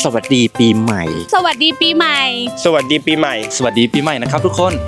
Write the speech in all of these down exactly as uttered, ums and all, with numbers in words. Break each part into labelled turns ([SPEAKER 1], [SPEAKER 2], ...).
[SPEAKER 1] สวัสดีปีใหม่
[SPEAKER 2] สวัสดีปีใหม่
[SPEAKER 3] สวัสดีปีใหม่
[SPEAKER 4] สวัสดีปีใหม่นะครับทุกคน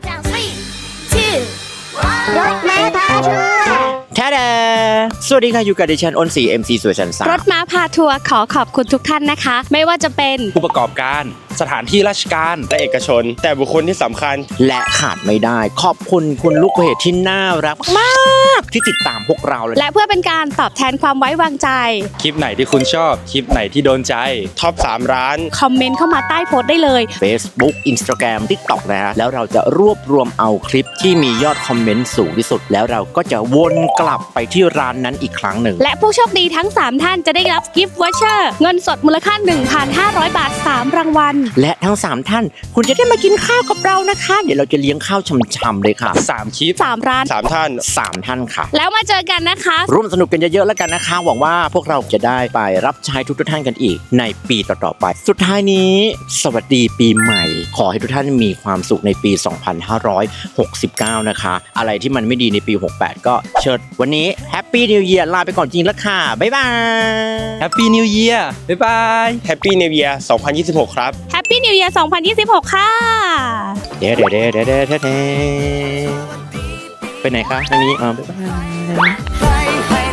[SPEAKER 5] รถม้าพาทัวร์
[SPEAKER 1] แท้แดสวัสดีค่ะอยู่กับดิฉันอ้นสี เอ็ม ซี สวยชันสาม
[SPEAKER 2] รถม้าพาทัวร์ขอขอบคุณทุกท่านนะคะไม่ว่าจะเป็น
[SPEAKER 4] ผู้ประกอบการสถานที่ราชการ
[SPEAKER 3] และเอกชนแต่บุคคลที่สำคัญ
[SPEAKER 1] และขาดไม่ได้ขอบคุณคุณลูกเพจที่น่ารักมากที่ติดตามพวกเราเลย
[SPEAKER 2] และเพื่อเป็นการตอบแทนความไว้วางใจ
[SPEAKER 4] คลิปไหนที่คุณชอบคลิปไหนที่โดนใจ
[SPEAKER 3] ท็อปสามร้าน
[SPEAKER 2] คอมเมนต์เข้ามาใต้โพสต์ได้เลย
[SPEAKER 1] Facebook Instagram TikTok นะฮะแล้วเราจะรวบรวมเอาคลิปที่มียอดคอมเมนต์สูงที่สุดแล้วเราก็จะวนกลับไปที่ร้านนั้นอีกครั้งหนึ่ง
[SPEAKER 2] และผู้โชคดีทั้งสามท่านจะได้รับกิฟต์วอเชอร์เงินสดมูลค่า หนึ่งพันห้าร้อย บาทสามรางวัล
[SPEAKER 1] และทั้งสามท่านคุณจะได้มากินข้าวกับเรานะคะเดี๋ยวเราจะเลี้ยงข้าวช่ำๆเลยค่ะ
[SPEAKER 4] สามคลิป
[SPEAKER 2] สามร้าน
[SPEAKER 3] สามท่าน
[SPEAKER 1] สามท่านค่ะ
[SPEAKER 2] แล้วมาเจอกันนะคะ
[SPEAKER 1] ร่วมสนุกกันเยอะๆแล้วกันนะคะหวังว่าพวกเราจะได้ไปรับใช้ทุกๆท่านกันอีกในปีต่อๆไปสุดท้ายนี้สวัสดีปีใหม่ขอให้ทุกท่านมีความสุขในปีสองพันห้าร้อยหกสิบเก้านะคะอะไรที่มันไม่ดีในปีหกสิบแปดก็เชิญวันนี้แฮปปี้นิวเยียร์ลาไปก่อนจริงแล้วค่ะบ๊ายบาย
[SPEAKER 4] แฮปปี้นิวเยียร์บ๊ายบาย
[SPEAKER 3] แฮปปี้นิวเยียร์สองพันยี่สิบหกครับ
[SPEAKER 2] แฮปปี้นิวเยียร์สองพันยี่สิบหกค่ะ
[SPEAKER 1] เด้เด้เด้เด้เด้เด้ไปไหนคะทางนี้อ๋อบ๊ายบาย